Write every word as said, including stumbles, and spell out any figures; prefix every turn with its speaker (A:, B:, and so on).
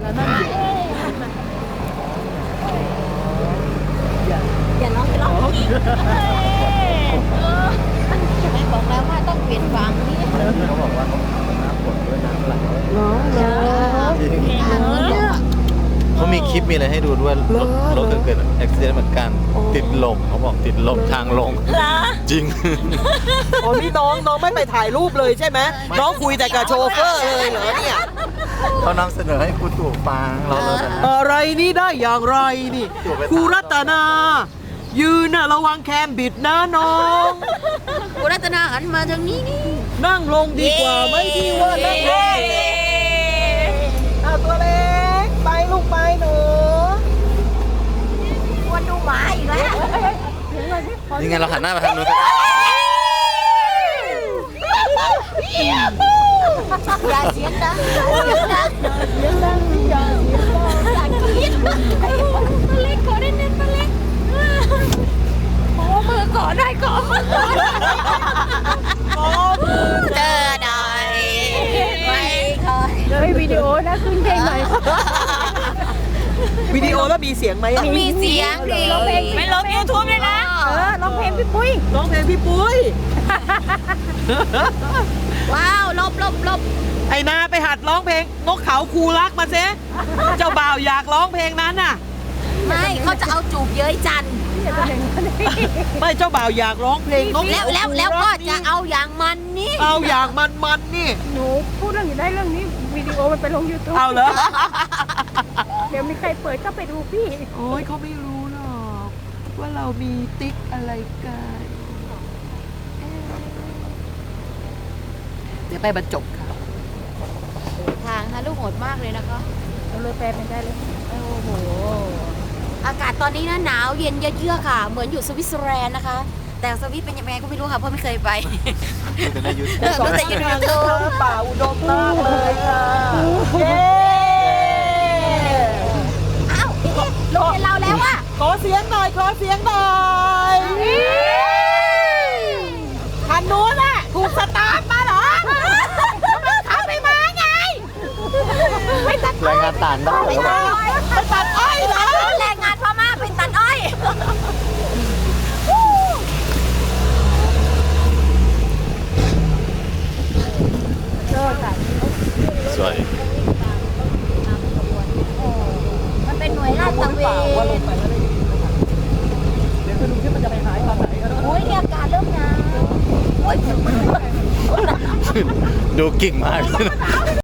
A: แล้วนั่นอยู่
B: อย่าร้องไปร้องอีกแม่บอกแล้วว่าต้องเปลี่ยนฟังนี่
C: เขาบอกว่าเขาน้ำฝนด้วยน้ำไหล
A: เหรอเหรอ
C: จริง
A: เนี่ย
C: เขามีคลิปมีอะไรให้ดูด้วยรถรถเกิดอุบัติเหตุเหมือนกันติดลมเขาบอกติดลมทางลงจริง
A: อ๋อนี่น้องน้องไม่ไปถ่ายรูปเลยใช่ไหมน้องคุยแต่กับโชเฟอร์เลยเหรอเนี่ย
C: เขานำเสนอให้ครูตู่ฟังเราเลยนะ
A: อะไรนี่ได้อย่างไรนี่ครูรัตนา ยืนน่ะระวังแคมบิดนะน้อง
B: กูรัตนาหันมาทางนี้นี่
A: นั่งลงดีกว่าไหม่ที่ว่านั่งลงเอาตัวเล็กไปลูกไปหนู
B: ควรดูหมาอีกแล้ว
C: นี่ไงเราหันหน้าไปทางนู้นก็ได้
B: อย่าเสียงดังอย่าเสียงดังอย่าเสียงดังอย่ากรี๊ดมาเล็กขอได้เน้นมาเล็กขอมือก่อนได้ก่อนเจอหน่อยไม่เคย
D: ไม่วิดีโอนะขึ้นเพลงหน่อย
A: วิดีโอแล้วมีเสียงไหม
B: มันมีเสียงดิ
D: ไม่ลงยูทูบเลยนะเออร้องเพลงพี่ปุ้ย
A: ร้องเพลงพี่ปุ้ย
B: ว้าวลบลบลบ
A: ไอ้นาไปหัดร้องเพลงนกเขาคูรักมาเซเจ้าบ่าวอยากร้องเพลงนั้นน่ะ
B: ไม่เขาจะเอาจูบเย้ยจัน
A: ไม่เจ้าบ่าวอยากร้องเพลงนก
B: แล้วแล้วแล้วก็จะเอาอย่างมันนี่
A: เอาอย่างมันมันนี่
D: หนูพูดเรื่องอยู่ได้เรื่องนี้วิดีโอมันไปลงยูทูบ
A: เอาเหรอ
D: เดี๋ยวมีใครเปิดก็ไปดูพี่
A: โอ้ยเขาไม่รู้หรอกว่าเรามีติ๊กอะไรกันเดี๋ยวไปบรรจบค่ะ
B: ทางทะลุโหดมากเลยนะคะ
D: เราเลยแปลเป็นได้เลย
B: โอ้โหอากาศตอนนี้นะหนาวเย็นเยือกๆค่ะ เหมือนอยู่สวิตเซอร์แลนด์นะคะ แต่สวิตเป็นยังไงก็ไม่รู้ค่ะเพราะไม่เคยไป
C: ดูในยูทูบ
B: เออรู้แต่ยูทูบ
A: ป่าอุดมมากเลยค่ะเย้
B: อ้าวนี่โรงเรียนเราแล้วอะ
A: ขอเสียงหน่อยขอเสียงหน่อยคันนู้นน่ะถูกสตาร์ทมาเหรอเขาไม่มาไงไม่ตัด
C: รายงานต่างด้าว
A: ไม่ตัดไม่ตัดอ้อยเหรอ
B: แรงงานพม่าเป็นตัดอ้อย
C: สวย
B: มันเป็นหน่วยลาดตระเวน
A: เดี๋ยวคุณดูที่มันจะไปหายตอนไหนกัน
B: โอ้ยเนี่ยอากาศเริ่มหนาวโอ้ย
C: ดูกิ่งมาก